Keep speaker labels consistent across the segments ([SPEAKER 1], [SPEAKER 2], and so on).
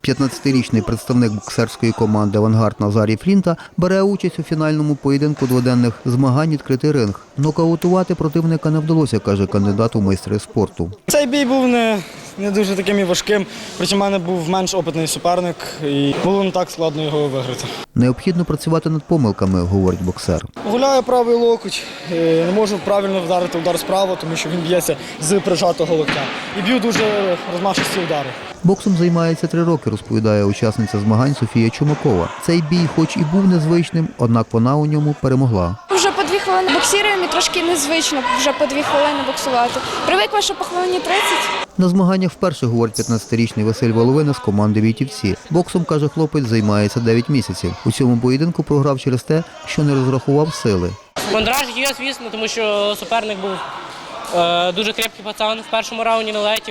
[SPEAKER 1] 15-річний представник боксерської команди «Авангард» Назарій Флінта бере участь у фінальному поєдинку дводенних змагань «Відкритий ринг». Нокаутувати противника не вдалося, каже кандидат у майстри спорту.
[SPEAKER 2] Цей бій був не дуже таким і важким, проти мене був менш опитний суперник і було не так складно його виграти.
[SPEAKER 1] Необхідно працювати над помилками, говорить боксер.
[SPEAKER 2] Гуляю правий локоть, не можу правильно вдарити удар справа, тому що він б'ється з прижатого локтя. І б'ю дуже розмашисті удари.
[SPEAKER 1] Боксом займається 3 роки, розповідає учасниця змагань Софія Чумакова. Цей бій хоч і був незвичним, однак вона у ньому перемогла.
[SPEAKER 3] Вже по 2 хвилини боксіруємо і трошки незвично вже по 2 хвилини боксувати. Привикла, що по хвилині 30.
[SPEAKER 1] На змаганнях вперше, говорить 15-річний Василь Воловина з команди «Війтівці». Боксом, каже хлопець, займається 9 місяців. У цьому поєдинку програв через те, що не розрахував сили.
[SPEAKER 4] Мандраж є, звісно, тому що суперник був дуже крепкий пацан, в першому раунді не летів.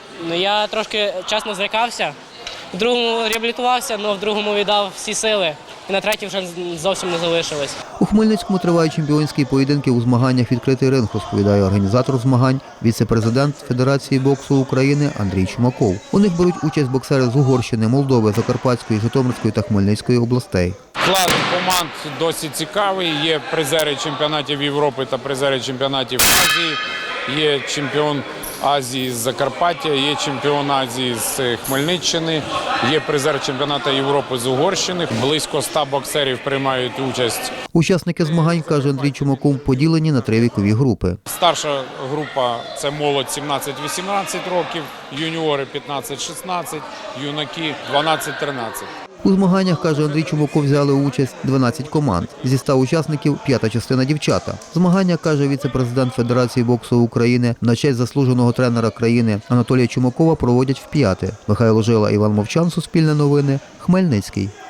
[SPEAKER 4] Я трошки чесно злякався, в другому реабілітувався, але в другому віддав всі сили. І на третій вже зовсім не залишилось.
[SPEAKER 1] У Хмельницькому тривають чемпіонські поєдинки у змаганнях «Відкритий ринг», розповідає організатор змагань, віце-президент Федерації боксу України Андрій Чумаков. У них беруть участь боксери з Угорщини, Молдови, Закарпатської, Житомирської та Хмельницької областей.
[SPEAKER 5] Склад команд досить цікавий. Є призери чемпіонатів Європи та призери чемпіонатів Азії. Є чемпіон Азії з Закарпаття, є чемпіон Азії з Хмельниччини, є призер чемпіонату Європи з Угорщини. Близько 100 боксерів приймають участь.
[SPEAKER 1] Учасники змагань, каже Андрій Чумаков, поділені на 3 вікові групи.
[SPEAKER 5] Старша група – це молодь 17-18 років, юніори 15-16, юнаки 12-13.
[SPEAKER 1] У змаганнях, каже Андрій Чумаков, взяли участь 12 команд. Зі 100 учасників – 5-та частина дівчата. Змагання, каже віце-президент Федерації боксу України, на честь заслуженого тренера країни Анатолія Чумакова проводять в 5-те. Михайло Жила, Іван Мовчан, Суспільне новини, Хмельницький.